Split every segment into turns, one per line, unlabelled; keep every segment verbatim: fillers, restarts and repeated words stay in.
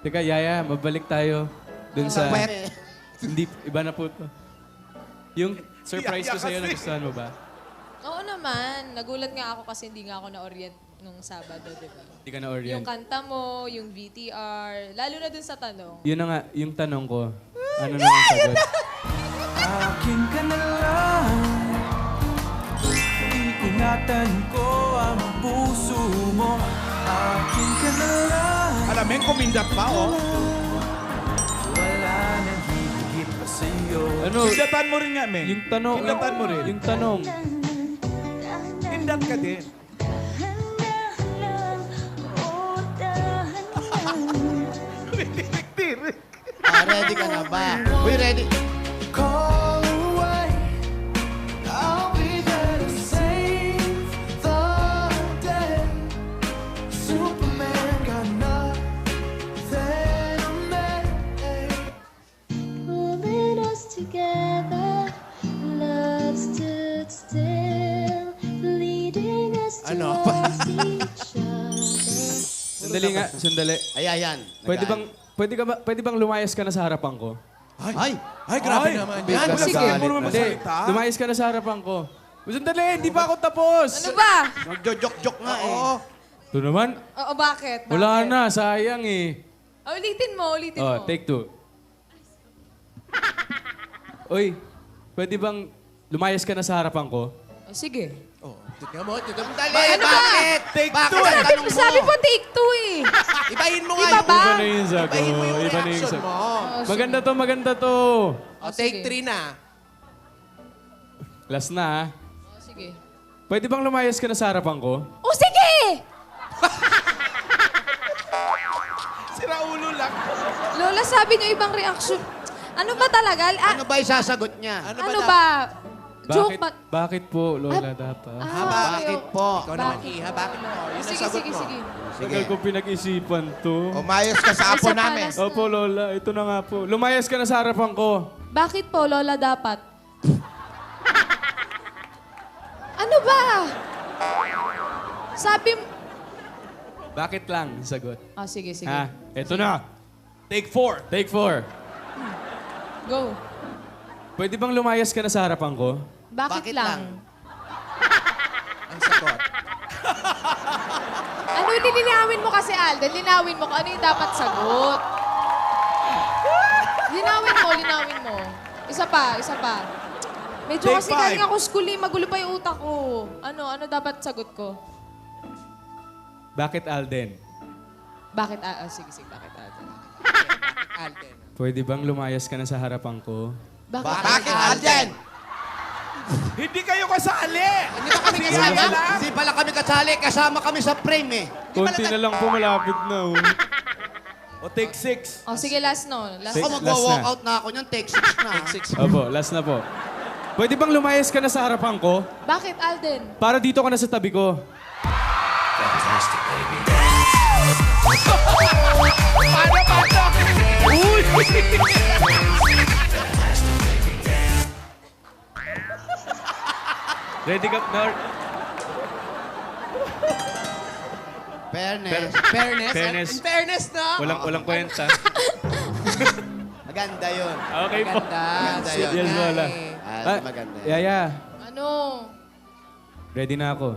Teka, Yaya, mabalik tayo dun sa...
Pwede.
Hindi, iba na po to. Yung surprise ko sa'yo, nagustuhan mo ba?
Oo naman. Nagulat nga ako kasi hindi nga ako na-orient nung Sabado, di ba?
Hindi ka na-orient.
Yung kanta mo, yung V T R, lalo na dun sa tanong.
Yun na nga, yung tanong ko. Ano na ang sagot?
Akin ka na lang. Iingatan ko ang puso mo. Akin ka na lang.
Alamin, kumindat pa, oh.
Wala nang higit pa sa'yo.
Ano?
Kindatan mo rin nga, men.
Yung tanong.
Kindatan mo rin.
Yung tanong.
Kindat ka din. Tirik-tirik.
Ah, ready ka na ba? Uy, ready.
Call away. I'll be there to save the day. Superman got nothing on me.
Pulling us together, love stood still, leading us
Ano?
towards each other.
Sandali nga, sandali.
Ay, ayan.
Pwede
Nagaan.
bang, pwede, ka ba, pwede bang lumayas ka na sa harapan ko?
Ay! Ay, grabe naman yan.
Kasi
Sige.
Galit mo naman
Hindi,
magsalita.
lumayas ka na sa harapan ko. Sandali, hindi pa ako tapos.
Ano ba?
Nagjo-jok-jok nga eh.
Oo.
Ito naman,
Oo, bakit? bakit?
wala na, sayang eh.
Ah, ulitin mo, ulitin
Oh,
mo.
take two. Uy, pwede bang lumayas ka na sa harapan ko?
Oh, sige.
Oh, tignan mo, tignan mo. Dali,
Ano ba?
bakit?
Take
bakit
two,
ang
eh.
tanong mo?
Sabi po take two eh.
Ibahin mo nga
Iba
yung...
ba?
Iba na yung sagot.
Ibahin mo yung
Iba na yung
reaction
sagot.
mo.
Oh,
Maganda to, maganda to.
O, take
sige.
three na.
Last na ah.
Oh, sige.
Pwede bang lumayas ka na sa harapan ko?
Oh, sige!
Sira ulo lang.
Lola, sabi niyo ibang reaction. Ano ba talaga? Ah,
Ano ba isasagot niya?
ano, ba? Joke
Bakit,
ba?
bakit po, Lola, dapat?
Ah,
Ha, bakit
okay.
po?
Ikaw naman,
Iha, bakit po? Yun ang
Sige,
sagot
sige,
mo.
sige.
Tagal ko pinag-isipan to.
Umayos ka sa apo
Isa pa,
namin.
last na.
Opo, Lola. Ito na nga po. Lumayas ka na sa harapan ko.
Bakit po, Lola, dapat? Ano ba? Sabi mo...
Bakit lang? Sagot.
Ah, sige, sige.
Ha? Ito na.
Take four.
Take four.
Go.
Pwede bang lumayas ka na sa harapan ko?
Bakit,
Bakit
lang?
lang? Ang sagot.
Ano nilinawin mo kasi, Alden? Linawin mo kung ano yung dapat sagot. Linawin mo, linawin mo. Isa pa, isa pa. Medyo
Take
kasi
five.
galing ako school eh, magulo pa yung utak ko. Ano, ano dapat sagot ko?
Bakit, Alden?
Bakit, ah, ah, sige, sige, bakit, Alden?
Alden.
Pwede bang lumayas ka na sa harapan ko?
Bakit, Alden?
Hindi kayo kasali.
Hindi ba kami kasama? Hindi pala kami kasali. Kasama kami sa frame eh.
Konti na lang po, malapit na. Oh.
O take six.
Oh, sige, last no. Last.
Six.
Ako mag-walk out na ako niyan. Take six na. Take six.
Opo, last na po. Pwede bang lumayas ka na sa harapan ko?
Bakit, Alden?
Para dito ka na sa tabi ko.
Paano, paano? Uy!
Ready ka na?
Fairness.
Fairness. Fairness.
In fairness na.
Walang, walang kwenta.
Maganda yun.
Okay po.
Maganda. Maganda yun.
Yes, Lola.
Ah,
Ah,
maganda yun.
Yaya,
Ano?
ready na ako.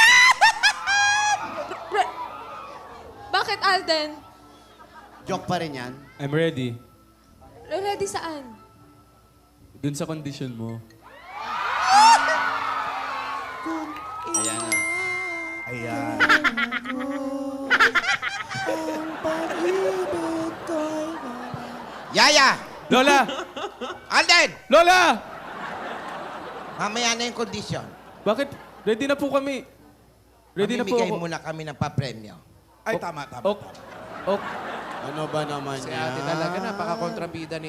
Bakit, Alden?
Joke pa rin yan.
I'm ready.
Ready saan?
Dun sa condition mo.
Ayan na.
Ayan.
Yaya!
Lola!
Alden!
Lola!
Mamaya na yung condition.
Bakit? Ready na po kami. Ready na po
Mamimigay
ako.
muna kami ng papremyo.
Ay, tama, tama.
Ok. Ok.
Ano ba naman
Si ate talaga, napaka-kontrabida ni